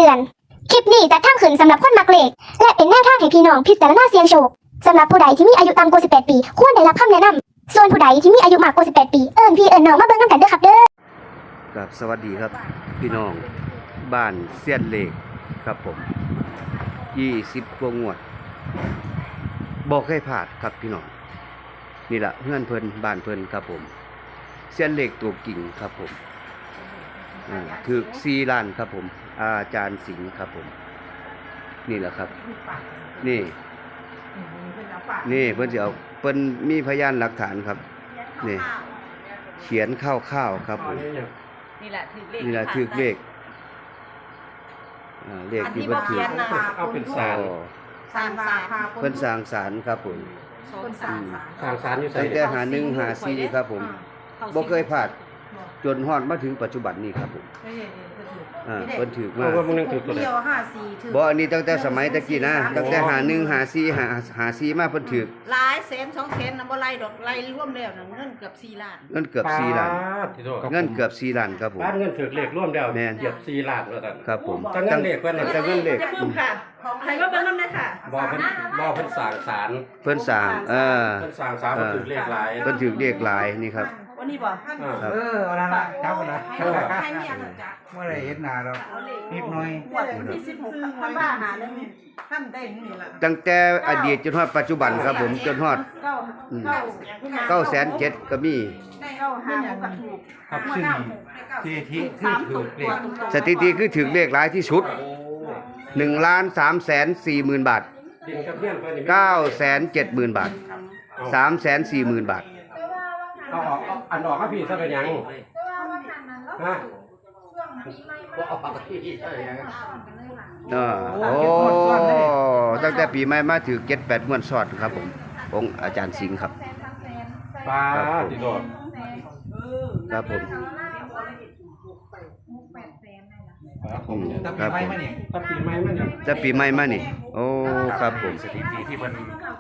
ตือนคลิปนี้จะทำขึ้นสำหรับคนมักเลขและเป็นแนวทางให้พี่น้องพิจารณาเสี่ยงโชคสำหรับผู้ใดที่มีอายุต่ำกว่า18 ปีควรได้รับคำแนะนำส่วนผู้ใดที่มีอายุมากกว่า18 ปีเอิ้นพี่เอิ้นน้องมาเบิ่งนำกันเด้อครับเด้อครับสวัสดีครับพี่น้องบ้านเสี้ยนเหล็กครับผม20กว่างวดบอกให้พลาดครับพี่น้องนี่แหละเพื่อนเพิ่นบ้านเพิ่นครับผมเสี้ยนเหล็กตัวกิ่งครับผมถือ4 ล้านครับผมอาจารย์สิงห์ครับผมนี่แหละครับนี่เพิ่นสิเอาเพิ่นมีพยานหลักฐานครับนี่เขียนคร่าวๆครับผมนี่แหละถือเลขนี่แหละถือเลขเลขที่เพิ่นถือเอาเป็นศาลสร้างศาลเพิ่นสร้างศาลครับผมสร้างศาลอยู่ตั้งแต่51 54ครับผมบ่เคยพลาดจนฮอดมาถึงปัจจุบันนี้ครับผมเพิ่นถือมาบ่อันนี้ตั้งแต่สมัยตะกี้นะตั้งแต่51 54มาเพิ่นถือหลายแสน2 แสนน่ะบ่ไล่ดอกไล่รวมแล้วน่ะเงินเกือบ4 ล้านเงินเกือบ4 ล้านเงินเกือบ4 ล้านครับผมบ้านเงินถือเลขรวมแล้วเกือบ4 ล้านแล้วกันครับผมตั้งเงินเลขเพิ่นตั้งเงินเลขค่ะใครก็เบิ่งนำได้ค่ะบ่เพิ่นสร้างศาลเพิ่นสร้างเพิ่นสร้างศาลเพิ่นถือเลขหลายเพิ่นถือเลขหลายนี่ครับวันนี้บ่เอาละนะเจ้านะเมื่อไรเห็นหน้าเรานิดหน่อยที่16ท่านว่าหานึงท่านได้นี่ล่ะตั้งแต่อดีตจนฮอดปัจจุบันครับผมจนฮอด907,000ก็มีครับซึ่งสถิติคือถือเลขหลายที่สุด1,340,000 บาท970,000 บาท340,000 บาทเอาออกอันออกครับพี่ซะเป็นยังฮะโอ้ตั้งแต่ปีใหม่มาถือ7-8 งวดซ้อนครับผมองค์อาจารย์สิงห์ครับป้าติโดดครับผมจะปีใหม่มานี่จะปีใหม่มานี่โอ้ครับผมสถิติที่มัน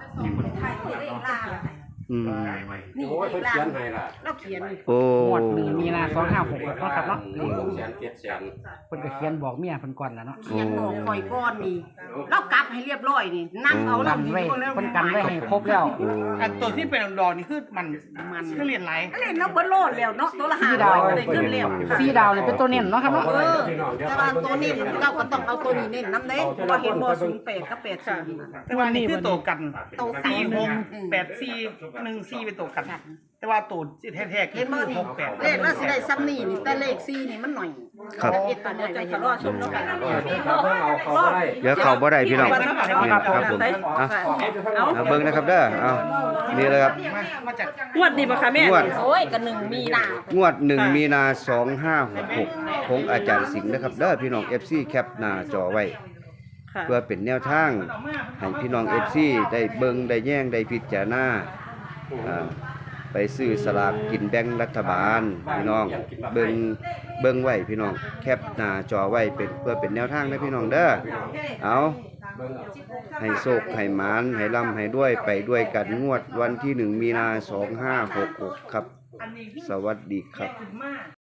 โอ้ยเพิ่นเขียนให้ล่ะเราเขียนโอ้หมวด1 มีนา2566เนาะครับเนาะ 1,700,000 เพิ่นก็เขียนบอกเมียเพิ่นก่อนแล้วเนาะเขียนบอกคอยก้อนนี่เรากลับให้เรียบร้อยนี่นั่งเอากันไว้เพิ่นกันไว้ให้ครบแล้วอันตัวที่เป็นดอกนี่คือมันคือเรียนไรเล่นแล้วเบิดโลดแล้วเนาะตัวละ5 ดาวได้เงินแล้ว 4 ดาวนี่เป็นตัวเน้นเนาะครับเนาะแต่ว่าตัวนี้เราก็ต้องเอาตัวนี้เน้นนำเด้เพราะว่าเห็นบ่08กับ80 แต่ว่านี่คือตัวกัน46 84 14เป็นตัวกันแต่ว่าตัวแท้ๆคือ68 เลขน่าสิได้ซ้ำนี่นี่แต่เลข4นี่มันหน่อยครับเอ็ดตัวนี้จะรอชมแล้วกันเดี๋ยวเข้าบ่ได้พี่น้องครับผมเอาเบิ่งนะครับเด้อเอานี่เลยครับงวดนี้บ่คะแม่โอ้ยก็1 มีนางวด1 มีนา2566ของอาจารย์สิงห์นะครับเด้อพี่น้อง FC แคปหน้าจอไว้เพื่อเป็นแนวทางให้พี่น้อง FC ได้เบิ่งได้แย่งได้พิจารณาไปซื้อสลากกินแบ่งรัฐบาลพี่น้องเบิ่งไว้พี่น้องแคปหน้าจอไว้เป็นเพื่อเป็นแนวทางนะพี่น้องเด้อเอาให้โชคให้หมานให้ร่ำให้ด้วยไปด้วยกันงวดวันที่1 มีนา2566ครับสวัสดีครับ